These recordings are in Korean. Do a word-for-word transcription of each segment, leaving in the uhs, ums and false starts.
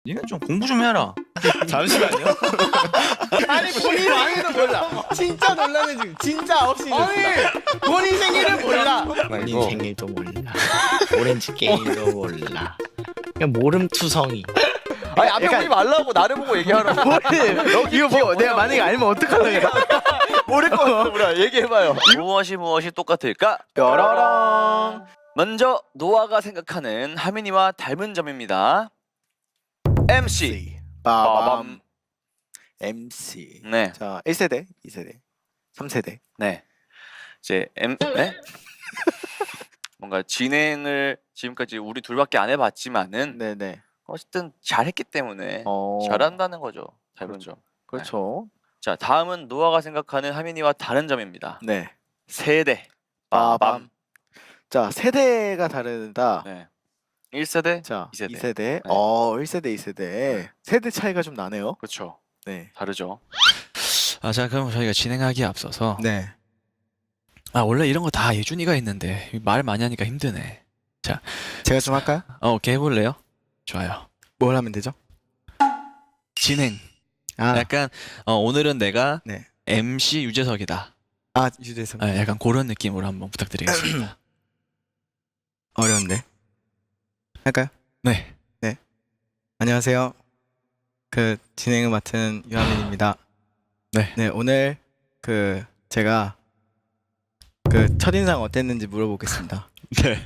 니네 좀 공부 좀 해라. 잠시만요. 아니 본인 생일도 몰라. 진짜 놀라네 지금. 진짜 아홉 시 아니 본인 생일을 몰라. 본인 생일도 몰라. 오렌지 게임도 몰라. 그냥 모름투성이. 아니 앞에 보지 말라고 나를 보고 얘기하라고. 이거 뭐 내가 만약에 알면 어떡하려고. 모를 거 없어. 얘기해봐요. 무엇이 무엇이 똑같을까? 뾰로롱. 먼저 노아가 생각하는 하민이와 닮은 점입니다. 엠씨. 빠밤. 엠씨. 네, 자 일 세대, 이 세대, 삼 세대. 네. 이제 엠, 네? 뭔가 진행을 지금까지 우리 둘밖에 안 해봤지만은 네네. 어쨌든 잘했기 때문에 어. 잘한다는 거죠. 닮은 점. 그렇죠. 자, 다음은 노아가 생각하는 하민이와 다른 점입니다. 네. 세대. 빠밤. 자 세대가 다르다. 네. 일 세대. 자 이 세대. 이 세대. 네. 어 일 세대, 이 세대. 세대 차이가 좀 나네요. 그렇죠. 네. 다르죠. 아, 자 그럼 저희가 진행하기에 앞서서 네. 아 원래 이런 거 다 예준이가 있는데 말 많이 하니까 힘드네. 제가 좀 할까요? 어, 오케이 해볼래요? 좋아요. 뭘 하면 되죠? 진행. 아, 약간 어, 오늘은 내가 네. 엠씨 유재석이다. 아 유재석. 아, 약간 그런 느낌으로 한번 부탁드리겠습니다. 어려운데. 할까요? 네. 안녕하세요. 그 진행을 맡은 유하민입니다. 네. 네 오늘 그 제가 그 첫인상 어땠는지 물어보겠습니다. 네.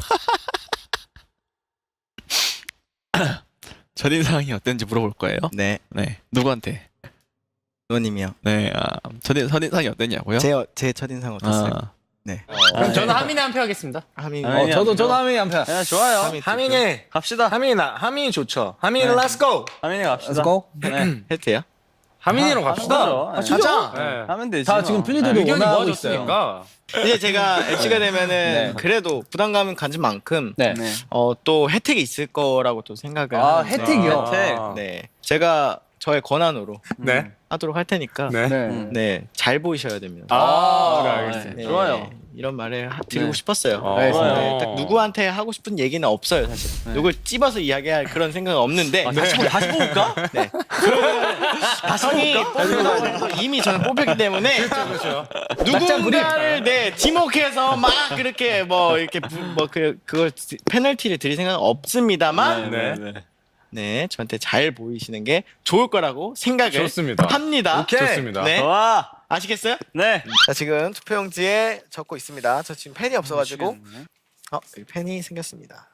첫인상이 어땠는지 물어볼 거예요? 네, 네. 누구한테? 노님이요. 네. 아, 첫인, 첫인상이 어땠냐고요? 제 제 첫인상 어땠어요? 아, 네. 그럼 저는 하민이 한 표 하겠습니다. 하민. 아, 어, 하민이 저도 한 표. 저도 하민이 한 표. 네, 좋아요. 하민. 하민이 갑시다. 하민이 나 하민이 좋죠. 하민이 네. let's go. 하민이 갑시다. Let's go. 네. 해도 돼요? 하민이로 하- 갑시다. 하는 거죠. 아, 네. 진짜? 네. 하면 되지. 다 지금 뭐. 플리들도 네. 원하고 있어요. 이제 제가 엠씨가 되면은 네. 그래도 부담감은 가진 만큼 네. 네. 어, 또 혜택이 있을 거라고 또 생각을 아, 하는데 혜택이요? 혜택. 네, 제가 저의 권한으로 네. 하도록 할 테니까 네. 네. 네, 잘 보이셔야 됩니다. 아, 네, 네. 알겠습니다. 네, 좋아요. 이런 말을 하- 드리고 네. 싶었어요. 어, 네, 좋아요. 네, 딱 누구한테 하고 싶은 얘기는 없어요, 사실. 네. 누굴 찝어서 이야기할 그런 생각은 없는데. 아, 다시 보 다시 뽑을까? 네. 다성이 뽑혀서 이미 저는 뽑혔기 때문에 그렇죠. 누군가를 네 지목해서 막 그렇게 뭐 이렇게 뭐 그 그걸 페널티를 드릴 생각은 없습니다만 네. 네 저한테 잘 보이시는 게 좋을 거라고 생각을 좋습니다. 합니다. 오케이. 좋습니다. 네. 와. 아시겠어요? 네. 자 지금 투표용지에 적고 있습니다. 저 지금 펜이 없어가지고 미치겠네. 어 여기 펜이 생겼습니다.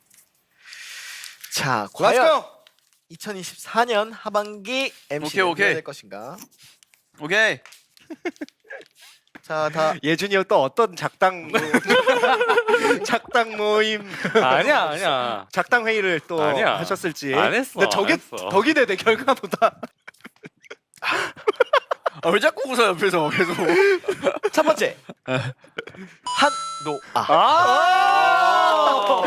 자 과연 이천이십사 년 하반기 엠씨는 오케이, 오케이. 누가 될 것인가? 오케이. 자 다 예준이 형 또 어떤 작당 작당 모임 아니야, 아니야. 작당 회의를 또 아니야. 하셨을지 안 했어, 근데 저게 안 했어. 덕이 되네 결과보다. 아, 왜 자꾸 웃어 옆에서 계속. 첫 번째 한노아 아!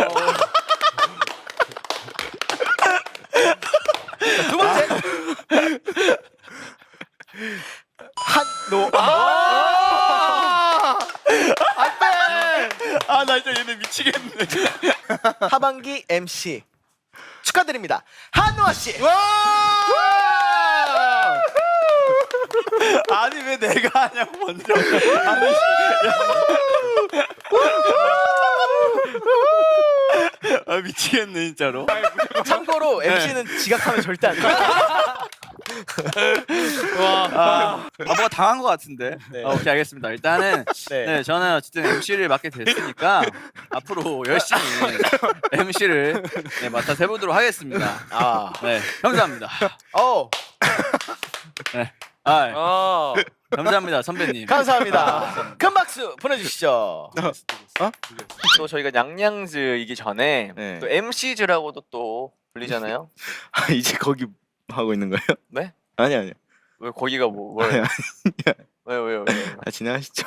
두 번째 한노아 아, 나 진짜 얘네 미치겠네. 하반기 엠씨 축하드립니다 한노아 씨. 아니 왜 내가 하냐고 먼저. 아니. 아, 미치겠네 진짜로. 참고로 엠씨는 지각하면 절대 안 돼. 아, 뭐가 당한 것 같은데. 네. 아, 오케이 알겠습니다. 일단은 네. 네, 저는 어쨌든 엠씨를 맡게 됐으니까 앞으로 열심히 엠씨를 네, 맡아서 해보도록 하겠습니다. 아, 네, 감사합니다. 어, 네, 아, 어. 감사합니다 선배님. 감사합니다. 큰 박수 보내주시죠. 또 저희가 냥냥즈이기 전에 네. 또 엠씨즈라고도 또 불리잖아요. 아, 이제 거기 하고 있는 거예요? 네? 아니 아니요. 왜 거기가 뭐 아니, 뭐예요? 아니, 왜요 왜요 왜요? 아, 진행하시죠.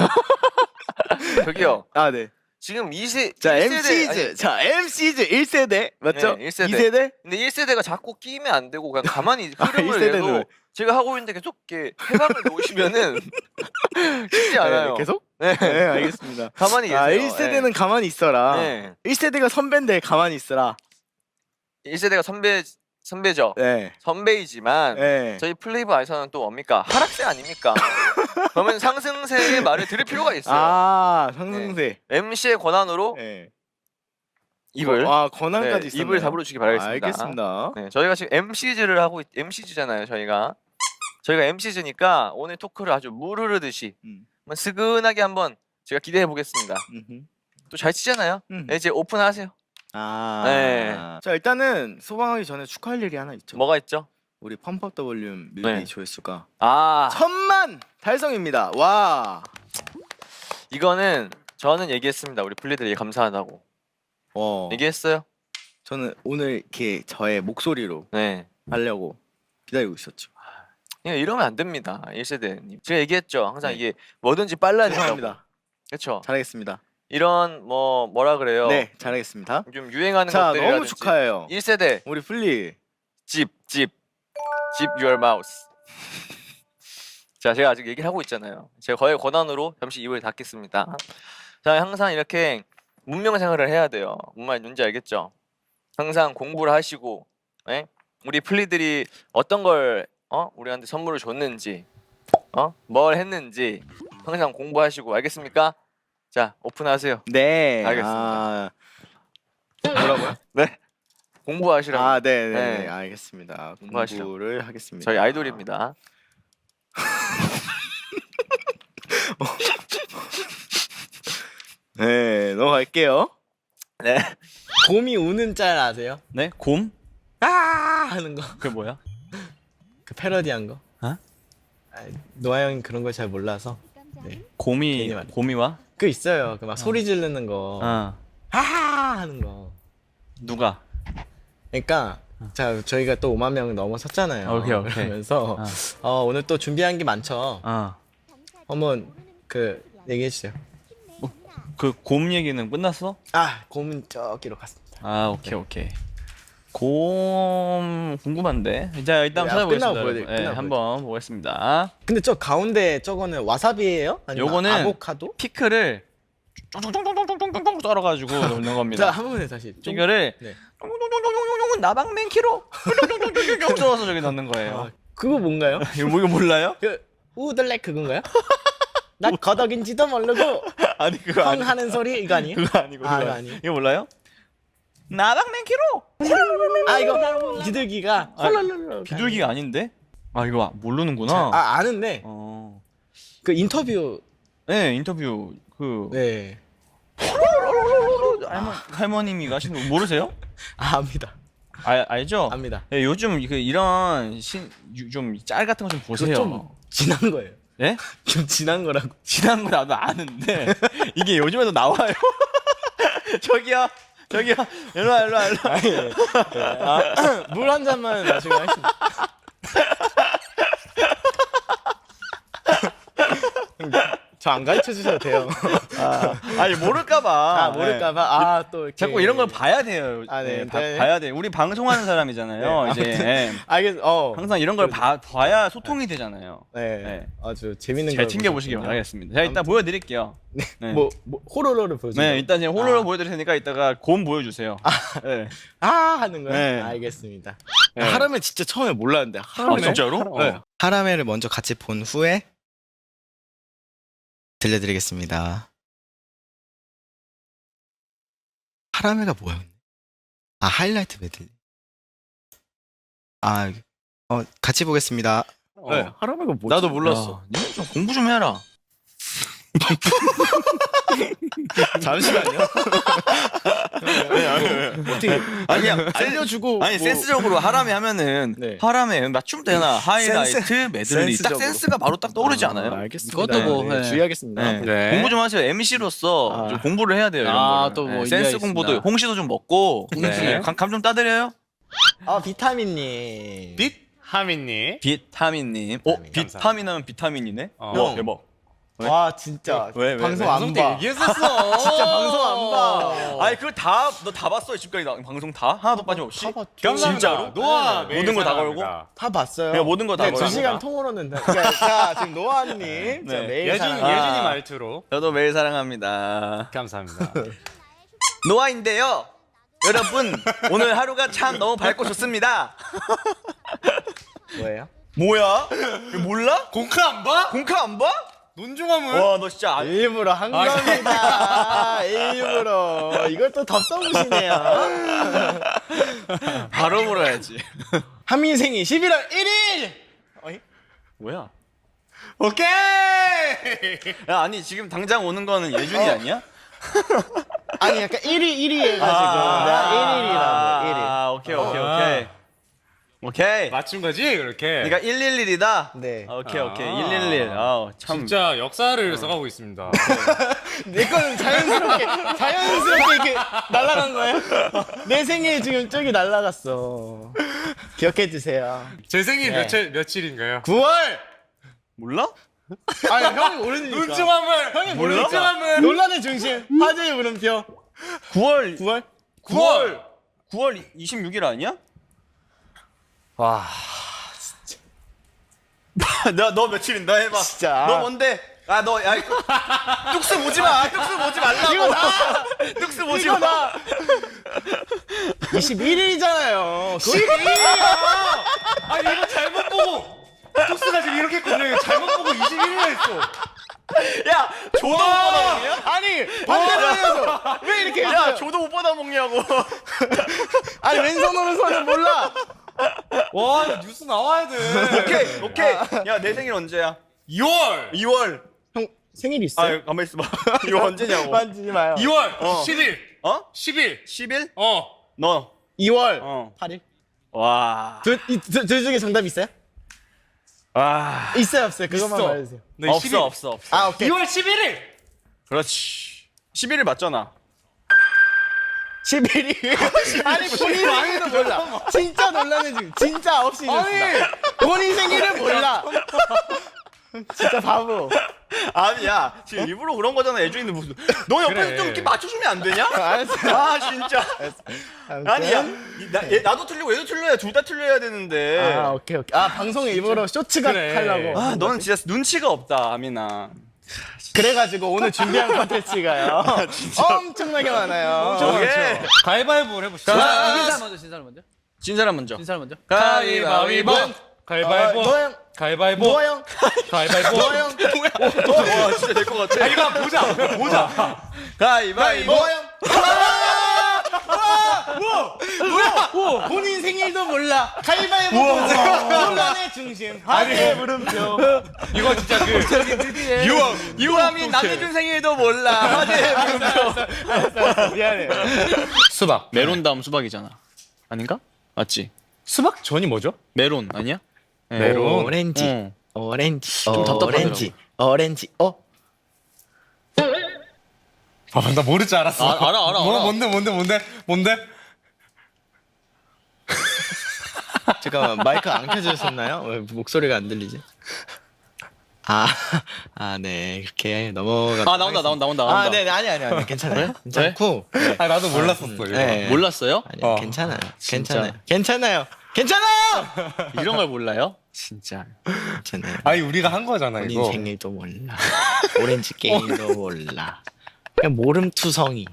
저기요. 아 네. 지금 이 세 자 일 세대, 엠씨즈, 아니, 자 엠씨즈 일 세대 맞죠? 네, 일 세대. 이 세대? 근데 일 세대가 자꾸 끼면 안 되고 그냥 가만히 아, 흐름을 일 세대는 내도 왜? 제가 하고 있는데 계속 이렇게 해방을 놓으시면은 쉽지 않아요. 네, 계속? 네. 네 알겠습니다. 가만히 계세요. 아 일 세대는 가만히 있어라. 네. 일 세대가 선배인데 가만히 있어라. 일 세대가 선배 선배죠. 네. 선배이지만 네. 저희 플레이브아에서는 또 뭡니까? 하락세 아닙니까? 그러면 상승세의 말을 들을 필요가 있어요. 아 상승세. 엠씨의 권한으로 네. 입을 아 네, 권한까지 있었나요? 입을 다물어 주기 바라겠습니다. 알겠습니다. 네, 저희가 지금 엠씨즈를 하고 있, 엠씨즈잖아요. 저희가 저희가 엠씨즈니까 오늘 토크를 아주 물 흐르듯이 음. 한번 스근하게 한번 제가 기대해 보겠습니다. 음흠. 또 잘 치잖아요. 음. 네, 이제 오픈하세요. 아. 네. 자 일단은 소방하기 전에 축하할 일이 하나 있죠. 뭐가 있죠? 우리 펌프업 더 볼륨 뮤비 네. 조회수가 아 천만 달성입니다. 와. 이거는 저는 얘기했습니다. 우리 플리들이 감사하다고 어. 얘기했어요. 저는 오늘 이렇게 저의 목소리로 네. 하려고 기다리고 있었죠. 예, 이러면 안 됩니다. 일 세대님. 제가 얘기했죠. 항상 네. 이게 뭐든지 빨라야 된다고. 죄송합니다. 그렇죠. 잘하겠습니다. 이런 뭐 뭐라 그래요? 네, 잘하겠습니다. 좀 유행하는 자, 것들이라든지 너무 축하해요. 일 세대 우리 플리. 집, 집, 집 your mouse. 자, 제가 아직 얘기를 하고 있잖아요. 제가 거의 권한으로 잠시 입을 닫겠습니다. 자, 항상 이렇게 문명 생활을 해야 돼요. 뭔 말인지 알겠죠? 항상 공부를 하시고, 예? 우리 플리들이 어떤 걸 어? 우리한테 선물을 줬는지, 어? 뭘 했는지 항상 공부하시고 알겠습니까? 자, 오픈하세요. 네. 알겠습니다. 아, 뭐라고요? 네. 공부하시라고. 아, 네, 네, 네. 네. 알겠습니다. 공부하시죠. 공부를 하겠습니다. 저희 아이돌입니다. 네, 넘어갈게요. 네. 곰이 우는 짤 아세요? 네? 곰? 아 하는 거. 그게 뭐야? 그 패러디한 거. 어? 아, 노아 형이 그런 걸 잘 몰라서. 네. 곰이 괜히 말이야. 곰이와? 그 있어요. 그 막 소리 지르는 거. 어. 아 하는 거. 누가? 그러니까 자 저희가 또 오만 명 넘어섰잖아요. 오케이, 오케이. 그러면서 어. 어, 오늘 또 준비한 게 많죠. 어. 한번 그 얘기해 주세요. 그 곰 얘기는 끝났어? 아 곰은 저기로 갔습니다. 아 오케이 오케이. 곰 궁금한데. 자 일단 네, 찾아보겠습니다. 끝나고 보여드릴- 여러분. 네, 끝나고 한번 보겠습니다. 근데 저 가운데 저거는 와사비예요? 아니면 요거는 아보카도? 피클을 쫑쫑쫑쫑쫑쫑쫑쫑 썰어가지고 넣는 자 겁니다. 한 번에 다시. 좀- 이거를 네. 쫑쫑쫑쫑쫑쫑 나방맨키로 쫑쫑쫑쫑쫑 썰어서 저기 넣는 거예요. 아, 그거 뭔가요? 이거 뭐 이거 몰라요? 그 우들렉 그건가요? 나 거덕인지도 모르고 아니 그거 펑 하는 소리 이거 아니에요? 그거 아니고 아, 그거 이거 아니. 아니에요? 이거 몰라요? 나방맨키로 아 이거 비둘기가 아, 헐렁헐렁 비둘기가 아닌데? 아 이거 모르는구나. 아 아는데 어. 그 인터뷰 네 인터뷰 그 네. 할머, 할머님이 하신 거 모르세요? 아 압니다. 아 알죠? 압니다. 네, 요즘 그 이런 좀 짤 같은 거 좀 그거 보세요. 좀 지난 거예요. 예? 좀 지난 거라고. 지난 거 나도 아는데 이게 요즘에도 나와요. 저기요, 저기요, 일로 와, 일로 와, 일로 와. 물 한 잔만 마시고 하시면. 저 안 가르쳐 주셔도 돼요. 아, 아니 모를까봐. 아 모를까봐. 아 또 이렇게. 자꾸 이런 걸 봐야 돼요. 아, 네. 네, 봐, 네. 봐야 돼. 우리 방송하는 사람이잖아요. 이제 예. 알겠. 어. 항상 이런 걸 봐, 봐야 소통이 되잖아요. 네. 네. 아주 재밌는 잘 걸 챙겨 보시기 보셨군요. 바라겠습니다. 자 일단 보여드릴게요. 네. 뭐, 뭐 호로로를 보여주세요. 네, 일단 제가 홀로 아. 보여드릴 테니까 이따가 곰 보여주세요. 네. 아 하는 거요? 네. 알겠습니다. 네. 하라메 진짜 처음에 몰랐는데. 아, 하라메? 진짜로? 네. 어. 하라메를 먼저 같이 본 후에 들려드리겠습니다. 하라메가 뭐야? 아 하이라이트 메들리. 아, 어 같이 보겠습니다. 네. 하라메가 뭐지? 나도 몰랐어. 니네 좀 공부 좀 해라. 잠시만요. 어떻게 아니 그냥 알려주고 아니 뭐- 센스적으로 하람에 하면은 네. 하람에 맞춤 되나 하이라이트 메들리 딱 센스적으로. 센스가 바로 딱 떠오르지 않아요? 아, 알겠습니다. 그것도 뭐, 네, 네. 주의하겠습니다. 네. 네. 공부 좀 하세요. 엠씨로서 아. 좀 공부를 해야 돼요. 이런 아, 거를. 또 뭐 네, 센스 이해하겠습니다. 공부도 홍시도 좀 먹고 네. 감, 감 좀 따드려요. 아 비타민님. 빛 하민님. 비타민님. 어 비타민, 비타민 하면 비타민이네. 어. 와 대박. 와 진짜 왜, 왜, 방송 왜? 안 봐. 얘기했었어. 진짜 방송 안 봐. 아니 그거 다 너 다 봤어 지금까지 나, 방송 다 하나도 빠짐없이. 다 봤죠. 진짜로? 노아 네. 모든 거다 걸고? 다 봤어요. 그냥 모든 거다 네, 걸고. 두 시간 통으로는 다. 그러니까 자 지금 노아님 자, 네. 매일 예준 사랑- 아. 예준이 말투로 저도 매일 사랑합니다. 감사합니다. 노아인데요. 여러분 오늘 하루가 참 너무 밝고 좋습니다. 뭐예요? 뭐야? 이거 몰라? 공카 안 봐? 공카 안 봐? 논중함은? 와 너 진짜 안... 일부러 한 겁니다. 일부러. 이걸 또 덥석으시네요. 바로 물어야지. 한민 생일 십일월 일일. 어이? 뭐야? 오케이. 야 아니 지금 당장 오는 거는 예준이 아니야? 아니 약간 일일 일이 해가지고 내가 일일이라고 일일. 아 오케이 오케이 오케이 오케이. 맞춘 거지 그렇게. 네가 일일일이다. 네. 오케이 오케이 아. 일일일. 아우 참. 진짜 역사를 써가고 있습니다. 내 거는 자연스럽게 자연스럽게 이렇게 날아간 거예요. 내 생일 지금 저기 날아갔어. 기억해 주세요. 제 생일 네. 며칠 며칠인가요? 구월. 몰라? 아니 형이 모르니까. 논중함을 형이 몰라? 논중함을. 논란의 중심. 화제의 물음표. 구월 구월. 구월 구월 이십육일 아니야? 와. 너너 며칠인다 해봐. 진짜. 너 뭔데? 아 너 야 이거 뚝스 보지 마. 뚝스 보지 말라고. 이거 나. 뚝스 보지 이거 마. 나. 이십일일이잖아요. 십이일이야. 아니 이거 잘못 보고. 톡스가 지금 이렇게 했거든요. 이거 잘못 보고 이십일일 했어. 야 조도 못 받아 먹냐? 아니 반대로 해서 왜 이렇게 야 했어요? 조도 못 받아 먹냐고. 아니 왼손 오른손은 몰라. 와 이거 뉴스 나와야 돼. 오케이 오케이. 야 내 생일 언제야? 이월. 이월. 형 생일 있어요? 아 가만 있어봐. 이거 언제냐고. 만지지 마요. 이월 어. 십일. 어? 십일. 십일? 어. 너. 이월 어. 팔일. 와. 둘, 이, 둘, 둘 중에 정답 있어요? 와. 있어요 없어요? 그것만 있어. 말해주세요. 네, 없어 십일. 없어 없어. 아 오케이. 이월 십일일. 그렇지. 십일일 맞잖아. 십일이 아니 본인 생일도 몰라. 진짜 놀라네 지금. 진짜 아홉 시 늦었다. 본인 생일을 몰라. 진짜 바보. 아니야 지금 일부러 그런 거잖아. 예준이는 무슨 너 옆에서 그래. 좀 이렇게 맞춰주면 안 되냐? 알았어. 아 진짜. 아무튼. 아니야 이- 나, 얘, 나도 틀리고 얘도 틀려야 둘 다 틀려야 되는데. 아 오케이 오케이. 아 방송에 일부러 쇼츠가 그래. 하려고. 아 너는 진짜 눈치가 없다 아미나. 그래가지고 오늘 준비한 컨텐츠가요. 엄청나게 많아요. 저게 가위바위보를 해보시죠. 신사람 먼저 신사람 먼저 진 사람 먼저. 신사람 먼저 가위바위보. 가위바위보. 아, 노영. 가위바위보. 노영. 가위바위보. 노영. 와 진짜 될 것 같아. 아, 이거 한번 보자. 그냥 보자. 가위바위보. 노영. 뭐야? 본인 생일도 몰라. 가위바위보 보자. 논란의 중심. 화제의 물음표. 이거 진짜 그 유황 유황이 남해준 생일도 몰라. 화제의 물음표. 미안해. 수박. 메론 다음 수박이잖아. 아닌가? 맞지? 수박 전이 뭐죠? 메론 아니야? 네. 메론. 오렌지. 응. 오렌지. 좀 답답하더라고. 오렌지. 오렌지. 어? 아, 나 모를 줄 알았어. 아, 알아, 알아, 뭐, 알아. 뭔데, 뭔데, 뭔데, 뭔데? 잠깐만 마이크 안 켜주셨나요? 왜 목소리가 안 들리지? 아, 아, 네 이렇게 넘어가. 아 나온다 나온다 나온다. 아, 네, 네, 아니, 아니, 아니, 괜찮아요. 괜찮고. 아, 나도 몰랐었어. 이거. 네. 몰랐어요? 아니, 어. 괜찮아요. 진짜. 괜찮아요. 괜찮아요. 괜찮아요. 이런 걸 몰라요? 진짜. 괜찮아요. 아니, 우리가 한 거잖아, 본인 이거. 생일도 몰라. 오렌지 게임도 몰라. 그냥 모름투성이.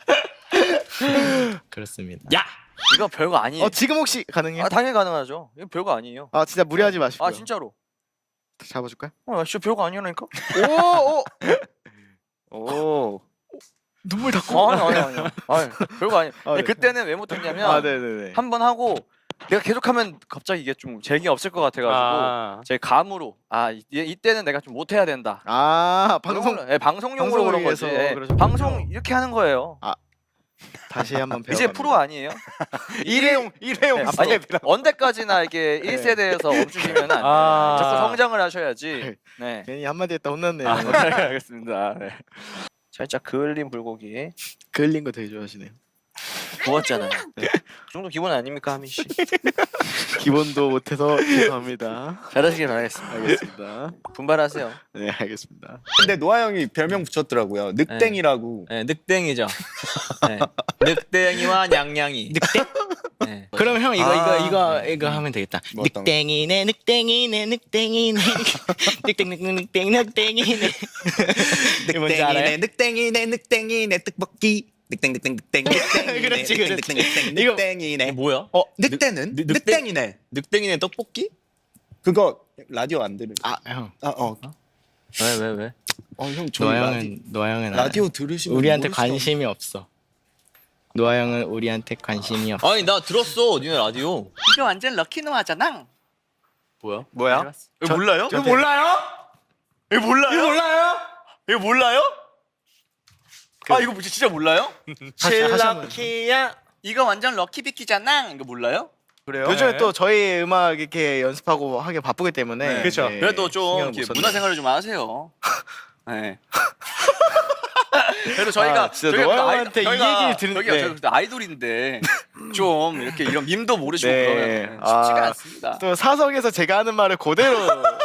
그렇습니다. 야. 이거 별거 아니에요. 어 지금 혹시 가능해요? 아 당연히 가능하죠. 이거 별거 아니에요. 아 진짜 무리하지 마시고요. 아 진짜로. 잡아줄까요? 어, 진짜 별거 아니라니까. 오, 오, 오. 눈물 닦고. 아니 아니 아니. 아니 별거 아니. 아, 네. 그때는 왜 못했냐면 아, 네네네. 한 번 하고 내가 계속하면 갑자기 이게 좀 재미 없을 것 같아가지고 아. 제 감으로 아 이, 이때는 내가 좀 못해야 된다. 아 방송 그런 걸로, 예, 방송용으로 방송을 그런 거지. 위해서 예, 그러셨군요. 방송 이렇게 하는 거예요. 다시 한번 배워. 이제 프로 아니에요? 일회용 일회용 네, 아니 스텝이라. 언제까지나 이게 일 세대에서 멈추시면 안 돼요. 아. 자꾸 성장을 하셔야지. 네. 괜히 한마디 했다 혼났네요. 아, 네, 알겠습니다. 네. 살짝 그을린 불고기 그을린 거 되게 좋아하시네요. 구웠잖아요. 네. 그 정도 기본 아닙니까 하민 씨? 기본도 못해서 죄송합니다. 잘하시길 바라겠습니다. 알겠습니다. 분발하세요. 네 알겠습니다. 근데 노아 형이 별명 붙였더라고요. 늑땡이라고. 네, 늑땡이죠. 네. 늑땡이와 냥냥이. 늑땡? 네. 그럼 형 이거 아. 이거 이거 이거 하면 되겠다. 뭐 어떤 거? 늑땡이네 늑땡이네 늑땡이네 늑땡 늑땡 늑땡 늑땡이네 늑땡이네 늑땡이네 늑땡이네 떡볶이 늑땡 늑땡 늑땡 늑땡. 그렇지 그렇지. 이거 늑땡이네. 뭐야? 어 늑대는 늑- 늑대- 늑땡이네. 늑땡이네 떡볶이? 그거 라디오 안 들을. 아 형. 아어 왜 왜 왜? 어, 형 노아 저희 라디오, 형은 노아 형은 라디오 들으시면 우리한테 모르시나? 관심이 없어. 노아 형은 우리한테 관심이 없어. 아니 나 들었어 니네 라디오. 이거 완전 럭키 노아잖아. 뭐야? 뭐야? 이거 몰라요? 이거 몰라요? 이거 몰라요? 이거 몰라요? 이거 몰라요? 아 이거 진짜 몰라요? 칠라키야. 이거 완전 럭키 비키잖아. 이거 몰라요? 그래요? 요즘에 또 저희 음악 이렇게 연습하고 하기 바쁘기 때문에 네. 그쵸. 그래도 좀 신경을 이렇게 못 썼네. 문화생활을 좀 하세요. 네. 그래도 저희가 아, 진짜 저희가 노아 아이- 형한테 이 저희가- 얘기를 들은- 저희가 네. 저희가 그때 아이돌인데 좀 이렇게 이런 밈도 모르시고 네. 그러면 쉽지가 아, 않습니다. 또 사석에서 제가 하는 말을 그대로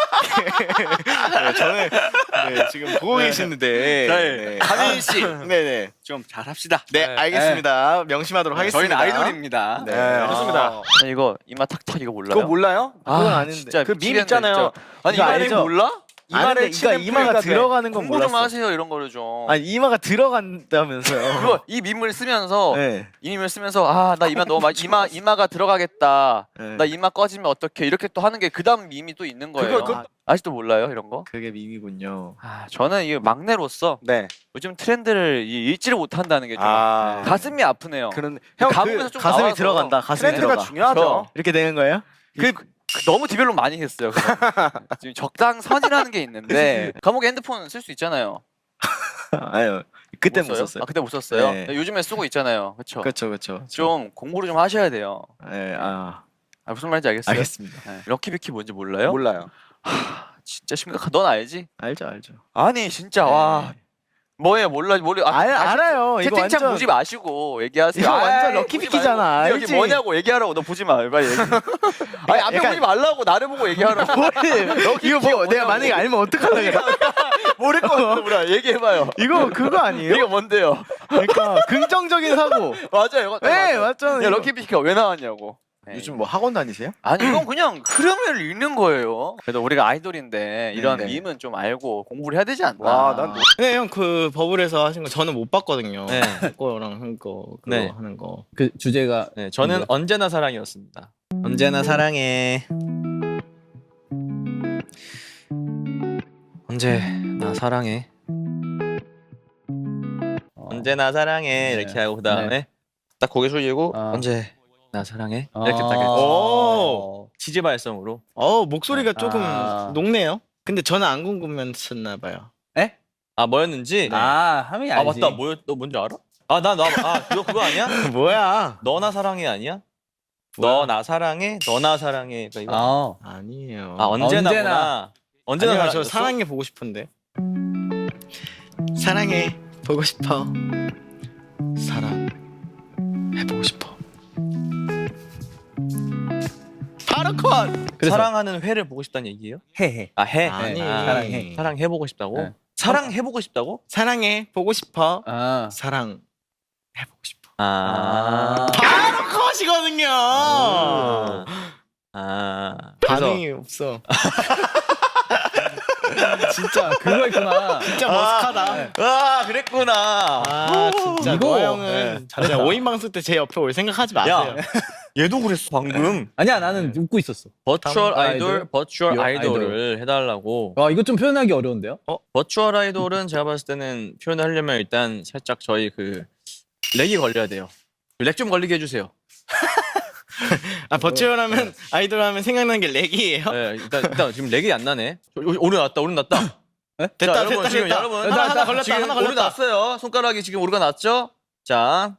네, 저는 네, 지금 보고 계시는데 저희 하민 씨 좀 네네 잘합시다. 네 알겠습니다. 명심하도록 하겠습니다. 저희는 아이돌입니다. 네, 아, 좋습니다. 이거 이마 탁탁 이거 몰라요? 그거 몰라요? 그건 아, 아는데. 진짜 그 밈 미치겠네, 있잖아요. 진짜. 아니 이거 이마를 알죠? 몰라? 이마를 이마를 그러니까 이마가 치는 들어가는 건 공부 좀 몰랐어. 하세요 이런 거를 좀. 아니 이마가 들어간다면서요. 그거 이 밈을 쓰면서 네. 이 밈을 쓰면서 아 나 이마 너무 많이 이마 이마가 들어가겠다. 네. 나 이마 꺼지면 어떡해 이렇게 또 하는 게 그다음 밈이 또 있는 거예요. 그거- 아, 아직도 몰라요 이런 거? 그게 밈이군요. 아 저는 이 막내로서 네. 요즘 트렌드를 이- 읽지를 못한다는 게 좀 아. 가슴이 아프네요. 그런 형 가슴에서 그 좀 가슴이 나와서 들어간다. 가슴이 트렌드가 들어가. 중요하죠. 이렇게 되는 거예요? 그, 그 너무 디벨롭 많이 했어요. 그거. 지금 적당선이라는 게 있는데 감옥에 핸드폰 쓸 수 있잖아요. 아유 그때 못 써요? 썼어요. 아 그때 못 썼어요. 네. 요즘에 쓰고 있잖아요. 그렇죠. 그렇죠 그렇죠. 좀 공부를 좀 하셔야 돼요. 네, 아 아, 무슨 말인지 알겠어요? 알겠습니다. 네. 럭키비키 뭔지 몰라요? 몰라요. 진짜 심각하. 넌 알지? 알죠 알죠. 아니 진짜 와 뭐예요 몰라 몰라. 아, 알 다시 알아요. 이거 채팅창 완전 보지 마시고 얘기하세요. 이거 완전 아이, 럭키비키잖아, 보지 말고. 여기 알지? 뭐냐고 얘기하라고. 너 보지 마. 빨리 얘기. 아니 앞에 약간- 보지 말라고 나를 보고 얘기하라고. 이거 뭐 내가 만약에 알면 어떡하려고 그래. 모를 것 같아. 뭐라 얘기해봐요. 이거 그거 아니에요? 이거 뭔데요? 그러니까 긍정적인 사고. 맞아요. 이거 네 맞잖아요. 야 럭키비키가 왜 나왔냐고. 요즘 뭐 학원 다니세요? 아니 이건 그냥 흐름을 읽는 거예요. 그래도 우리가 아이돌인데 이런 네. 밈은 좀 알고 공부를 해야 되지 않나. 와, 난 네, 형 그 버블에서 하신 거 저는 못 봤거든요. 네. 거랑 한 거, 그거 네. 하는 거. 그 주제가 네, 저는 뭐야? 언제나 사랑이었습니다. 언제나 사랑해. 언제나 사랑해. 언제나 사랑해 이렇게 하고 그다음에 딱 고개 숙이고 아. 언제나 사랑해 이렇게 딱 했죠. 오. 지지 발성으로. 어 목소리가 조금 아. 녹네요. 근데 저는 안 궁금했었나 봐요. 아 뭐였는지. 아 하민이 아 알지. 맞다. 뭐였? 너 뭔지 알아? 아나나아 그거 그거 아니야? 뭐야? 너나 사랑해 아니야? 뭐야? 너 나 사랑해 너나 사랑해 그러니까 이거. 아 아니에요. 아 언제나구나. 언제나. 언제나 아니요, 저 사랑이었어? 사랑해 보고 싶은데. 사랑해 보고 싶어. 사랑 해보고 싶어. 바로 컷. 그래서 사랑하는 회를 보고 싶다는 얘기예요? 해해. 아 해. 아니. 아, 사랑해. 사랑해 보고 싶다고? 네. 사랑해 보고 싶다고? 사랑해 보고 싶어. 아. 사랑 해보고 싶어. 아. 바로 컷이거든요. 아. 반응이 없어. 진짜 그거 있구나. 진짜 머쓱하다. 아 아 그랬구나. 진짜 이거. 노아 형은 진짜 오인 방송 때 제 옆에 올 생각하지 마세요. 얘도 그랬어 방금. 아니야 나는 웃고 있었어. 버추얼 다음 아이돌, 아이돌, 버추얼 요 아이돌을 해달라고. 아 이거 좀 표현하기 어려운데요? 버추얼 아이돌은 제가 봤을 때는 표현을 하려면 일단 살짝 저희 그 렉이 걸려야 돼요. 렉 좀 걸리게 해주세요. 아 버추얼하면 아이돌 하면 생각나는 게 렉이에요. 네, 일단 일단 지금 렉이 안 나네. 오- 오류 났다, 오류 났다. 됐다, 자, 여러분 됐다, 지금 됐다. 여러분 하나, 하나 걸렸다, 지금 하나 오류 걸렸다. 났어요. 손가락이 지금 오류가 났죠? 자,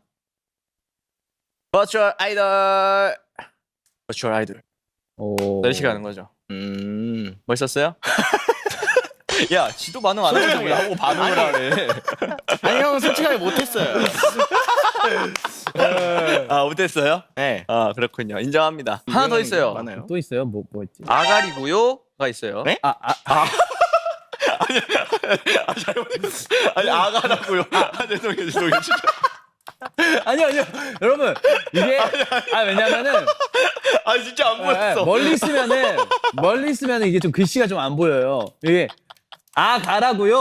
버추얼 아이돌, 버추얼 아이돌. 오. 이렇게 가는 거죠. 음. 멋있었어요? 야, 지도 반응 안 하고 왜 하고 반응을 하래? 아니 형은 솔직하게 못했어요. 아, 못했어요? 네. 아, 그렇군요. 인정합니다. 하나 더 있어요. 많아요. 또 있어요? 뭐 뭐 있지? 아가리고요가 있어요. 네? 아 아. 아니 아가라고요. 아, 죄송해요, 죄송해요. 진짜. 아니요 아니요 여러분 이게 아 왜냐면은 아, 진짜 안 예, 멀리 있으면은 멀리 있으면은 이게 좀 글씨가 좀 안 보여요. 이게 아 가라고요?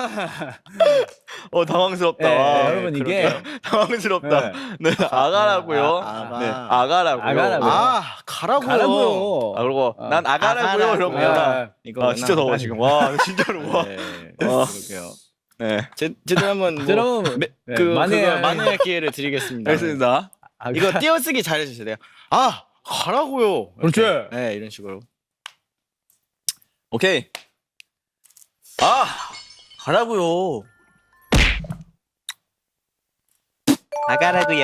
어 당황스럽다. 네, 와, 여러분 이게 당황스럽다. 네, 아가라고요. 아, 아가. 네, 아가라고요. 아가라고요. 아 가라고요. 가라고요. 아, 그리고 어. 난 아가라고요. 이러면 아, 이거 아 진짜 더워 지금. 와 진짜로 와. 네. 어. 그러게요. 네, 제 제대로 한번 뭐, 여러분 매- 네, 그 만회- 그거 만회의 기회를 드리겠습니다. 알겠습니다. 아, 이거 띄어쓰기 잘해주셔야 돼요. 아 가라고요. 그렇지. 이렇게. 네 이런 식으로. 오케이. 아 가라고요. 아가라고요.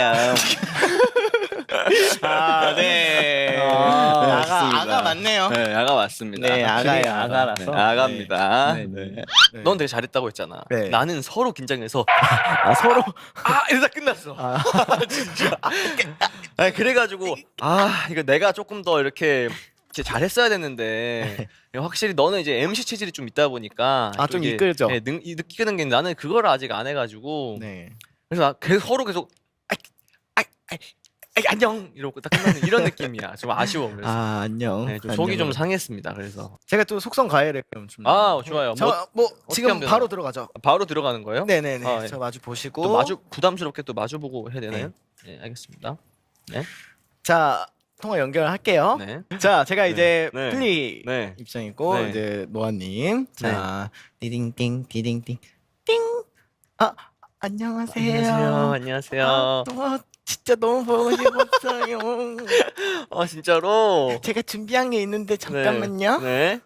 아 네. 아, 네, 맞습니다. 아가 아가 맞네요. 네, 아가 맞습니다. 네, 아가예요, 네, 아가라서. 네, 아가입니다. 네, 네. 네. 네. 넌 되게 잘했다고 했잖아. 네. 나는 서로 긴장해서 아 서로 아 이러다 끝났어. 아. 진짜. 아 그래가지고 아 이거 내가 조금 더 이렇게 이렇게 잘했어야 되는데 확실히 너는 이제 엠씨 체질이 좀 있다 보니까 아, 좀 이게, 이끌죠? 네, 능, 이- 느끼는 게 나는 그거를 아직 안 해가지고 네. 그래서 나 계속 서로 계속 아이 아이 아이 아이, 안녕 이러고 딱 끝나는 이런 느낌이야. 좀 아쉬워. 그래서 아 안녕. 네, 좀 속이 좀 상했습니다. 그래서 제가 또 속성 가해를 좀. 좀- 아 좋아요. 뭐 저 뭐 지금 하면 바로 되나요? 들어가죠. 바로 들어가는 거예요? 네네네. 아, 예. 저 마주 보시고. 또 마주 부담스럽게 또 마주 보고 해야 되나요? 네, 알겠습니다. 자 통화 연결할게요. 네. 자 제가 이제 네. 플리 네. 입장이고 네. 이제 노아님. 자 디딩띵 디딩띵 띵. 아 안녕하세요. 안녕하세요. 안녕하세요. 아, 노아 진짜 너무 보고 싶었어요. 아 진짜로? 제가 준비한 게 있는데 잠깐만요. 네.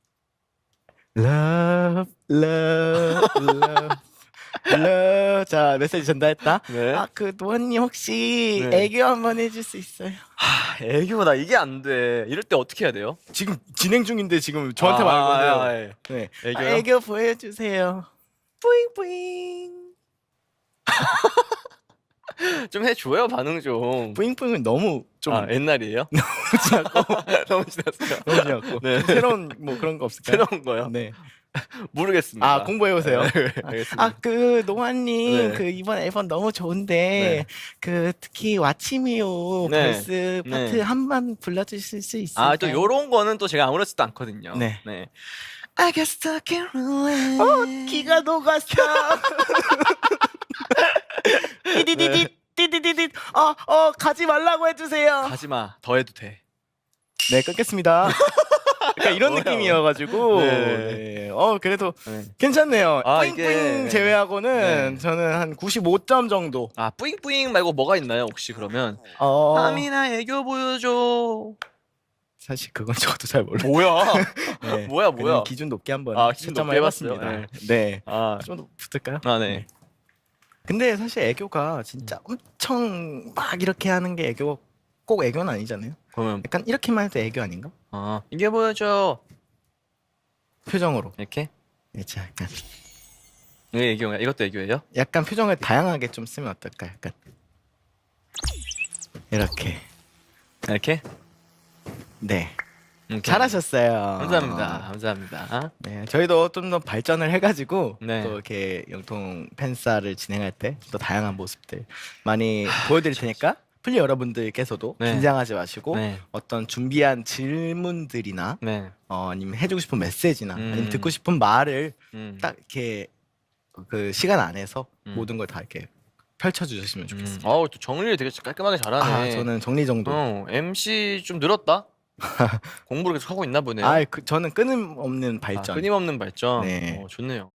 Love, love, love, love. 자 메시지 전달했다. 네. 아 그 노아님 혹시 네. 애교 한번 해줄 수 있어요? 하, 애교 나 이게 안 돼. 이럴 때 어떻게 해야 돼요? 지금 진행 중인데 지금 저한테 아, 말거든요. 아, 예. 네. 애교요? 아, 애교 보여주세요. 뿌잉뿌잉. 좀 해줘요 반응 좀. 뿌잉뿌잉은 너무 좀 아 옛날이에요? 너무 지났어요. 너무 지났고 네. 새로운 뭐 그런 거 없을까요? 새로운 거요? 네. 모르겠습니다. 아 공부해 오세요. 네, 알겠습니다. 아 그 노아님 네. 그 이번 앨범 너무 좋은데 그 특히 왓치미오 네. 벌스 네. 파트 한번 불러주실 수 있을까요? 아 또 요런 거는 또 제가 아무렇지도 않거든요. 네. 네. I get stuck in away. 어 기가 녹았어. 띠디디디 띠디디디 어어 가지 말라고 해주세요. 가지마. 더 해도 돼. 네 끊겠습니다. 그러니까 이런 뭐야. 느낌이어가지고 네. 네. 어 그래도 네. 괜찮네요. 아, 뿌잉뿌잉 이게- 제외하고는 네. 저는 한 구십오 점 정도. 아 뿌잉뿌잉 말고 뭐가 있나요 혹시 그러면? 어 하민아 애교 보여줘. 사실 그건 저도 잘 몰라요. 뭐야? 네. 뭐야 그냥 뭐야? 기준 높게 한번 아, 기준 채점을 높게 해봤어요? 해봤습니다. 네. 아, 좀 더 붙을까요? 아 네. 근데 사실 애교가 진짜 엄청 막 이렇게 하는 게 애교 꼭 애교는 아니잖아요. 그러면 약간 이렇게만 해도 애교 아닌가? 아 이게 보여줘. 표정으로. 이렇게? 네, 자, 약간 이게 애교야? 이것도 애교예요? 약간 표정을 다양하게 좀 쓰면 어떨까? 약간 이렇게. 이렇게? 네. 이렇게. 잘하셨어요. 감사합니다. 감사합니다. 네, 저희도 좀 더 발전을 해가지고 네. 또 이렇게 영통 팬싸를 진행할 때 또 다양한 모습들 많이 보여드릴 테니까 플리 여러분들께서도 네. 긴장하지 마시고 네. 어떤 준비한 질문들이나 네. 어, 아니면 해주고 싶은 메시지나 음. 아니면 듣고 싶은 말을 음. 딱 이렇게 그 시간 안에서 음. 모든 걸 다 이렇게 펼쳐주셨으면 음. 좋겠습니다. 어우 또 정리를 되게 깔끔하게 잘하네. 아 저는 정리 정도. 어 엠씨 좀 늘었다. 공부를 계속 하고 있나 보네요. 아 그, 저는 끊임없는 아, 발전. 끊임없는 발전. 네. 어, 좋네요.